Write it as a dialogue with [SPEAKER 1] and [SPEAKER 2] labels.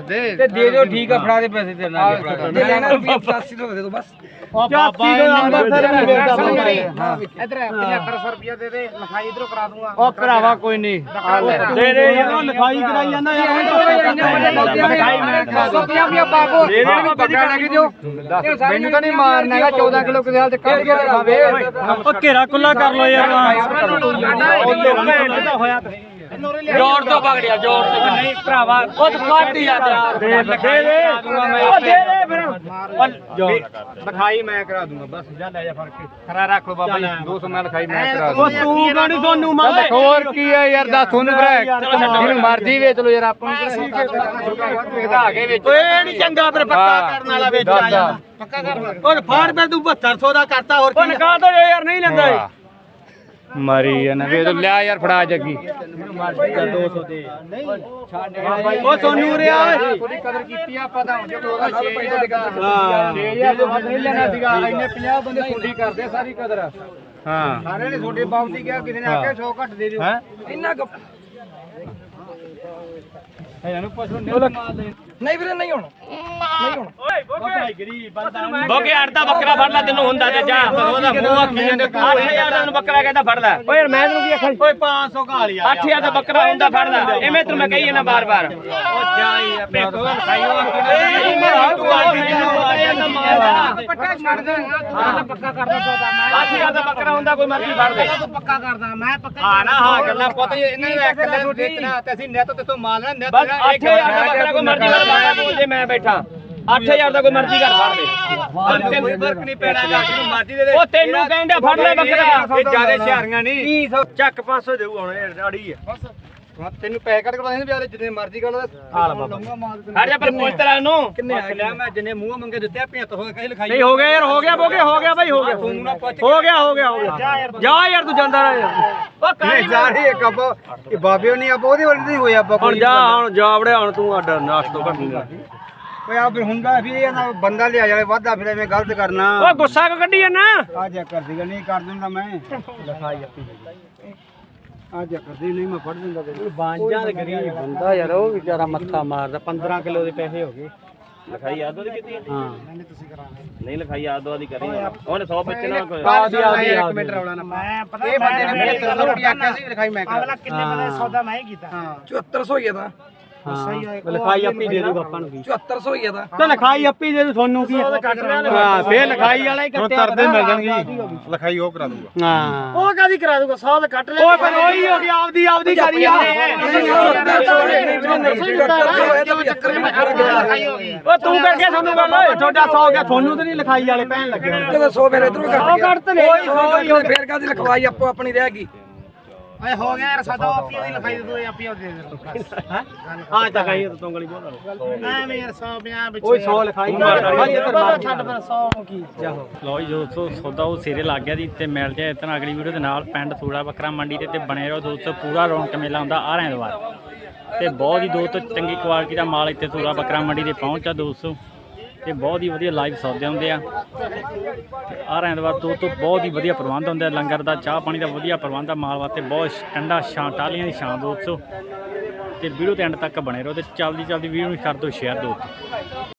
[SPEAKER 1] ਦੇ
[SPEAKER 2] ਦੇ ਦਿਓ ਠੀਕ ਆ ਫੜਾ ਦੇ ਪੈਸੇ ਤੇਰੇ ਨਾਲ ਜੇ ਲੈਣਾ 85 ਤੋਂ ਦੇ ਦੋ ਬਸ
[SPEAKER 1] 85 ਤੋਂ ਅੰਮ੍ਰਿਤਸਰ ਨਹੀਂ ਵੇਚਦਾ
[SPEAKER 3] ਇਧਰ 7500 ਰੁਪਏ ਦੇ ਦੇ ਲਿਖਾਈ ਇਧਰੋਂ ਕਰਾ ਦੂੰਗਾ
[SPEAKER 1] ਉਹ ਭਰਾਵਾ ਕੋਈ ਨਹੀਂ
[SPEAKER 2] ਦੇ ਦੇ ਯਾਰ ਲਿਖਾਈ ਕਰਾਈ ਜਾਂਦਾ ਯਾਰ
[SPEAKER 3] ਲਿਖਾਈ ਮੈਂ ਕਰਾ ਦੂੰ ਰੁਪਏ ਬਾਬੋ
[SPEAKER 2] ਦੇ ਦੇ ਬੱਕਰਾ ਲੈ ਕੇ ਦਿਓ
[SPEAKER 1] ਮੈਨੂੰ ਤਾਂ ਨਹੀਂ ਮਾਰਨਾ ਹੈਗਾ 14 ਕਿਲੋ ਕਿਦੇ ਹਾਲ ਤੇ ਕੱਢ ਕੇ ਦਿਖਾਵੇ
[SPEAKER 2] ਉਹ ਘੇਰਾ ਖੁੱਲਾ ਕਰ ਲੋ ਯਾਰ ਹੋਇਆ ਜੋਰ ਤੋਂ ਪਕੜਿਆ ਜੋਰ ਤੋਂ ਨਹੀਂ ਭਰਾਵਾ ਖੁਦ ਕੱਢ ਹੀ ਜਾਂਦਾ ਦੇ ਲਖੇ ਦੇ ਉਹ ਦੇ ਦੇ ਫਿਰ
[SPEAKER 1] ਲਿਖਾਈ ਮੈਂ ਕਰਾ ਦੂੰਗਾ ਬਸ ਜਾ ਲੈ ਜਾ ਫੜ ਕੇ ਖਰਾ ਰੱਖ ਲੋ ਬਾਬਾ ਜੀ 200 ਮੈਂ ਲਿਖਾਈ ਮੈਂ ਕਰਾ
[SPEAKER 2] ਉਹ ਤੂੰ ਗਾਣੀ ਤੁਹਾਨੂੰ ਮਾਰ
[SPEAKER 1] ਹੋਰ ਕੀ ਹੈ ਯਾਰ ਦੱਸ ਤੁਹਾਨੂੰ ਭਰਾ ਜਿਹਨੂੰ ਮਰਜ਼ੀ ਵੇਚ ਲੋ ਯਾਰ ਆਪਾਂ ਨੂੰ ਵਧਾ ਕੇ ਵੇਚ
[SPEAKER 2] ਓਏ ਨਹੀਂ ਚੰਗਾ ਫਿਰ ਪੱਕਾ ਕਰਨ ਵਾਲਾ ਵੇਚ ਆ ਜਾਂਦਾ
[SPEAKER 3] ਪੱਕਾ ਕਰ
[SPEAKER 2] ਉਹ ਫਾੜ ਫਿਰ ਤੂੰ 7200 ਦਾ ਕਰਤਾ ਹੋਰ ਕੀ ਨਿਕਾਹ ਤੋਂ ਯਾਰ ਨਹੀਂ ਲੈਂਦਾ
[SPEAKER 1] ਮਰੀ ਨਾ ਵੇ ਲਿਆ ਯਾਰ ਫੜਾ ਜੱਗੀ
[SPEAKER 2] 200 ਦੇ ਉਹ ਸੋਨੂ ਰਿਆ
[SPEAKER 1] ਥੋੜੀ ਕਦਰ ਕੀਤੀ ਆਪਾਂ ਤਾਂ ਜੇ ਉਹਦਾ 6000 6000 ਤੋਂ ਵੱਧ ਨਹੀਂ ਲੈਣਾ ਸੀਗਾ ਇੰਨੇ 50 ਬੰਦੇ ਸੁੰਡੀ ਕਰਦੇ ਸਾਰੀ ਕਦਰ ਹਾਂ
[SPEAKER 3] ਸਾਰੇ ਨੇ ਛੋਟੇ ਬਾਬੂ ਕਿਹਾ ਕਿਸੇ ਨੇ ਆਖਿਆ 100 ਘੱਟ ਦੇ ਦਿਓ
[SPEAKER 1] ਹੈ
[SPEAKER 3] ਇੰਨਾ
[SPEAKER 1] ਇਹਨਾਂ ਨੂੰ ਪੁੱਛ
[SPEAKER 3] ਨਹੀਂ ਵੀਰੇ ਨਹੀਂ ਹੁਣ ਨਹੀਂ ਹੁਣ
[SPEAKER 2] ਬੋਕੇ ਅੜਦਾ ਬੱਕਰਾ ਫੜ ਲੈ ਤੈਨੂੰ ਹੁੰਦਾ ਤੇ ਜਾ ਉਹਦਾ ਮੂੰਹ ਆਖੀ ਜਾਂਦੇ 8000 ਦਾ ਬੱਕਰਾ ਕਹਿੰਦਾ ਫੜ ਲੈ ਓਏ ਯਾਰ ਮੈਂ ਤੈਨੂੰ ਕੀ ਆਖਾਂ ਓਏ 500 ਘਾਲ ਯਾਰ 8000 ਦਾ ਬੱਕਰਾ ਹੁੰਦਾ ਫੜ ਲੈ ਐਵੇਂ ਤੈਨੂੰ ਮੈਂ ਕਹੀ ਜਾਂਦਾ ਬਾਰ-ਬਾਰ ਉਹ ਜਾ ਯਾਰ ਭੇਖੋ ਖਾਈਓ ਤੂੰ ਆ ਮੈਨੂੰ
[SPEAKER 3] ਪੱਕਾ ਛੱਡ ਦੇ ਪੱਕਾ ਕਰਦਾ ਸੌਦਾ ਮੈਂ
[SPEAKER 2] 8000 ਦਾ ਬੱਕਰਾ ਹੁੰਦਾ ਕੋਈ ਮਰਜ਼ੀ ਫੜ ਲੈ
[SPEAKER 3] ਤੂੰ ਪੱਕਾ ਕਰਦਾ ਮੈਂ ਪੱਕਾ
[SPEAKER 1] ਹਾਂ ਨਾ ਹਾਂ ਗੱਲਾਂ ਪੁੱਤ ਇਹਨਾਂ ਨੂੰ ਇੱਕ ਲੈ ਵੇਚਣਾ ਤੇ ਅਸੀਂ ਨਿੱਤ ਤੇ ਤੋਂ ਮਾਲ ਨਾ ਨਿੱਤ
[SPEAKER 2] ਬਸ 8000 ਦਾ ਬੱਕਰਾ ਕੋਈ ਮਰਜ਼ੀ ਫੜ ਲੈ ਬੋਲਦੇ ਮੈਂ ਬੈਠਾ 8000 ਦਾ ਕੋਈ ਮਰਜ਼ੀ ਘਰ ਫੜ ਦੇ
[SPEAKER 1] ਕੋਈ ਫਰਕ ਨਹੀਂ ਪੈਣਾ ਜਾ ਕੇ ਮਰਜ਼ੀ ਦੇ
[SPEAKER 2] ਉਹ ਤੈਨੂੰ ਕਹਿੰਦਾ ਫੜ ਲੈ ਬੱਕਰਾ
[SPEAKER 1] ਇਹ ਜਿਆਦੇ ਹੁਸ਼ਿਆਰੀਆਂ ਨਹੀਂ
[SPEAKER 2] ਚੱਕ 500 ਦੇਊ ਹੁਣ ਅੜੀ ਹੈ
[SPEAKER 1] ਤੈਨੂੰ ਪੈਸੇ ਕੱਢ ਕੇ ਨਹੀਂ ਵਿਆਹ ਜਿੰਨੇ ਮਰਜ਼ੀ ਕਰ ਲਊਗਾ ਮਾਲ
[SPEAKER 2] ਹਟ ਜਾ ਪਰ ਪੁੱਛ ਤਰਾ ਨੂੰ
[SPEAKER 1] ਕਿੰਨੇ ਆ ਮੈਂ ਜਿੰਨੇ ਮੂੰਹ ਮੰਗੇ ਦਿੱਤੇ ਆ 75 ਕਹੀ ਲਿਖਾਈ
[SPEAKER 2] ਨਹੀਂ ਹੋ ਗਿਆ ਯਾਰ ਹੋ ਗਿਆ ਬੋਗੇ ਹੋ ਗਿਆ ਬਾਈ ਹੋ ਗਿਆ
[SPEAKER 1] ਤੁਹਾਨੂੰ ਨਾ ਪੁੱਛ
[SPEAKER 2] ਹੋ ਗਿਆ ਜਾ ਯਾਰ ਤੂੰ ਜਾਂਦਾ ਰਹਿ ਉਹ
[SPEAKER 1] ਨਹੀਂ ਜਾ ਰਹੀ ਇੱਕ ਆਪਾਂ ਇਹ ਬਾਬਿਓ ਨਹੀਂ ਆਪਾਂ ਉਹਦੇ ਵਾਲੀ ਨਹੀਂ ਹੋਇਆ ਆਪਾਂ
[SPEAKER 2] ਹੁਣ ਜਾ ਹੁਣ ਜਾ ਵੜਿਆ ਹੁਣ ਤੂੰ ਅੱਡ ਨਾਸ਼ ਤੋਂ ਘੱਟ ਨਹੀਂ
[SPEAKER 1] ਓਏ ਆ ਫਿਰ ਹੁੰਦਾ ਵੀ ਇਹ ਬੰਦਾ ਲਿਆ ਜਾਵੇ ਵਾਧਾ ਫਿਰ ਐਵੇਂ ਗਲਤ ਕਰਨਾ
[SPEAKER 2] ਉਹ ਗੁੱਸਾ ਕਿਉਂ ਕੱਢੀ ਜਾਂਦਾ
[SPEAKER 1] ਆ ਜਾ ਕਰ ਦੇਗਾ ਨਹੀਂ ਕਰ ਦਿੰਦਾ ਮੈਂ ਲਿਖਾਈ ਆਪੀ ਆ ਜਾ ਕਰਦੀ ਨਹੀਂ ਮੈਂ ਫੜ ਦਿੰਦਾ ਤੇ
[SPEAKER 2] ਬਾਂਝਾਂ ਦੇ ਗਰੀਬ ਬੰਦਾ ਯਾਰ ਉਹ ਵਿਚਾਰਾ ਮੱਥਾ ਮਾਰਦਾ 15 ਕਿਲੋ ਦੇ ਪੈਸੇ ਹੋ ਗਏ ਲਿਖਾਈ ਆਦੋ ਦੀ ਕੀਤੀ ਹਾਂ ਨਹੀਂ ਲਿਖਾਈ ਆਦੋ ਦੀ ਕਰੀ ਉਹਨੇ 100 ਬੱਚਣਾ ਕੋਈ
[SPEAKER 1] ਇੱਕ ਮਿੰਟ ਰੌਲਾ ਨਾ
[SPEAKER 3] ਮੈਂ ਪਤਾ
[SPEAKER 1] ਇਹ ਬੰਦੇ ਨੇ 75 ਰੁਪਏ ਆਖਿਆ ਸੀ ਲਿਖਾਈ ਮੈਂ
[SPEAKER 3] ਅਗਲਾ ਕਿੰਨੇ ਬੰਦੇ ਸੌਦਾ ਮੈਂ ਹੀ ਕੀਤਾ
[SPEAKER 1] ਹਾਂ
[SPEAKER 3] 7400 ਹੀ ਦਾ
[SPEAKER 2] ਲਿਖਾਈ ਆਪੀ ਦੇ ਦੂਗਾ ਆਪਾਂ ਨੂੰ
[SPEAKER 3] 7400 ਹੀ ਦਾ
[SPEAKER 2] ਤੇ ਲਿਖਾਈ ਆਪੀ ਦੇ ਦੂ ਤੁਹਾਨੂੰ ਕੀ ਹਾਂ ਫੇਰ ਲਿਖਾਈ ਵਾਲਾ ਹੀ ਕੱਟਿਆ ਤਰਦੇ ਮਿਲ ਜਾਣਗੇ
[SPEAKER 1] ਲਿਖਾਈ ਉਹ ਕਰਾ ਦੂੰਗਾ
[SPEAKER 2] ਹਾਂ
[SPEAKER 3] ਉਹ ਕਾਦੀ ਕਰਾ ਦੂਗਾ 100 ਦਾ ਕੱਟ ਲੈ
[SPEAKER 2] ਉਹ ਪਰ ਉਹੀ ਹੋ ਗਿਆ ਆਪਦੀ ਕਰੀ ਆ ਉਹ ਤੂੰ ਕਰਕੇ ਸਾਨੂੰ ਗੱਲ ਓਏ ਤੁਹਾਡਾ 100 ਹੋ ਗਿਆ ਤੁਹਾਨੂੰ ਤੇ ਨਹੀਂ ਲਿਖਾਈ ਵਾਲੇ ਪੈਣ ਲੱਗੇ
[SPEAKER 3] ਜਦੋਂ 100 ਫਿਰ ਇਧਰੋਂ ਕੱਟ ਤੇ ਨਹੀਂ ਫੇਰ ਕਾਦੀ ਲਿਖਵਾਈ ਆਪੋ ਆਪਣੀ ਰਹਿ ਗਈ ਓਏ ਹੋ ਗਿਆ ਯਾਰ ਸਾਡਾ ਆਪੀ ਦੀ ਲਿਖਾਈ ਦੇ ਦੋ ਆਪੀ ਦੇ ਦੇ
[SPEAKER 2] ਹਾਂ ਤਾਂ ਕਹੀ ਤੂੰ ਗਲੀ ਬੋਲ
[SPEAKER 3] ਐਵੇਂ ਯਾਰ 150 ਵਿੱਚ
[SPEAKER 2] ਓਏ 100 ਲਿਖਾਈ
[SPEAKER 3] ਛੱਡ ਫਿਰ 100 ਨੂੰ ਕੀ
[SPEAKER 4] ਲਓ ਜੀ ਦੋਸਤੋ ਸੌਦਾ ਉਹ ਸਿਰੇ ਲੱਗ ਗਿਆ ਜੀ ਤੇ ਮਿਲ ਜਾਏ ਇਤਨਾ ਅਗਲੀ ਵੀਡੀਓ ਦੇ ਨਾਲ ਪਿੰਡ ਸੂੜਾ ਬੱਕਰਾ ਮੰਡੀ ਤੇ ਬਣੇ ਰਹੋ ਦੋਸਤੋ ਪੂਰਾ ਰੌਣਕ ਮੇਲਾ ਹੁੰਦਾ ਆ ਐਤਵਾਰ ਤੇ ਬਹੁਤ ਹੀ ਦੋਸਤੋ ਚੰਗੀ ਕੁਆਲਿਟੀ ਦਾ ਮਾਲ ਇੱਥੇ ਸੂੜਾ ਬੱਕਰਾ ਮੰਡੀ ਤੇ ਪਹੁੰਚਾ ਦੋਸਤੋ ਤੇ ਬਹੁਤ ਹੀ ਵਧੀਆ ਲਾਈਵ ਸੌਦੇ ਹੁੰਦੇ ਆ ਆ ਐਤਵਾਰ ਦੋਸਤੋ ਬਹੁਤ ਹੀ ਵਧੀਆ ਪ੍ਰਬੰਧ ਹੁੰਦੇ ਆ ਲੰਗਰ ਦਾ ਚਾਹ ਪਾਣੀ ਦਾ ਵਧੀਆ ਪ੍ਰਬੰਧ ਆ ਮਾਲ ਵਾਸਤੇ ਬਹੁਤ ਠੰਡਾ ਛਾਂ ਟਾਲੀਆਂ ਦੀ ਛਾਂ ਦੋਸਤੋ ਤੇ ਵੀਡੀਓ ਤੇ ਐਂਡ ਤੱਕ ਬਣੇ ਰਹੋ ਤੇ ਚੱਲਦੀ ਵੀਡੀਓ ਨੂੰ ਕਰ ਦਿਓ ਸ਼ੇਅਰ ਦੋਸਤੋ।